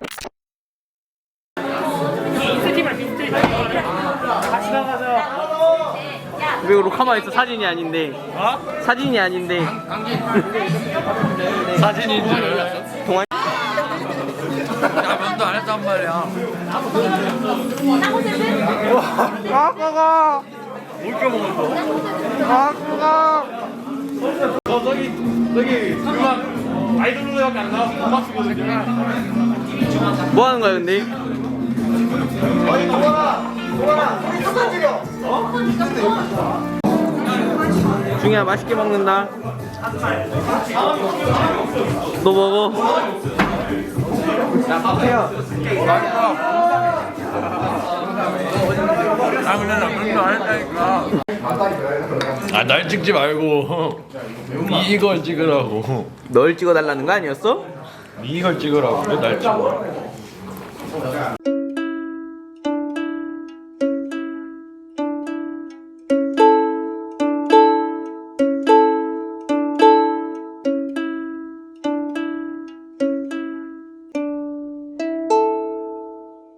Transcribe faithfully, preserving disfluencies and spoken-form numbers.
왜 로카마 있어? 사진이 아닌데. 어? 사진이 아닌데. 사진인 줄 알았어? 동아. 나 면도 안 했단 말이야. 아 그거. 뭘까 먹었어? 아 그거. 너 저기 저기 음악 아이돌 노래밖에 안 나와서 못 맞추거든요. 뭐 하는 거야 근데? 아니 동아라 동아라 우리 누가 죽여? 어? 중이야 맛있게 먹는다. 너 먹어. 야 밥해요. 맛있어. 아 근데 나 면도 안 했다니까. 아 날 찍지 말고 이걸 찍으라고. 널 찍어달라는 거 아니었어? 이걸 찍으라고 왜 날 찍어?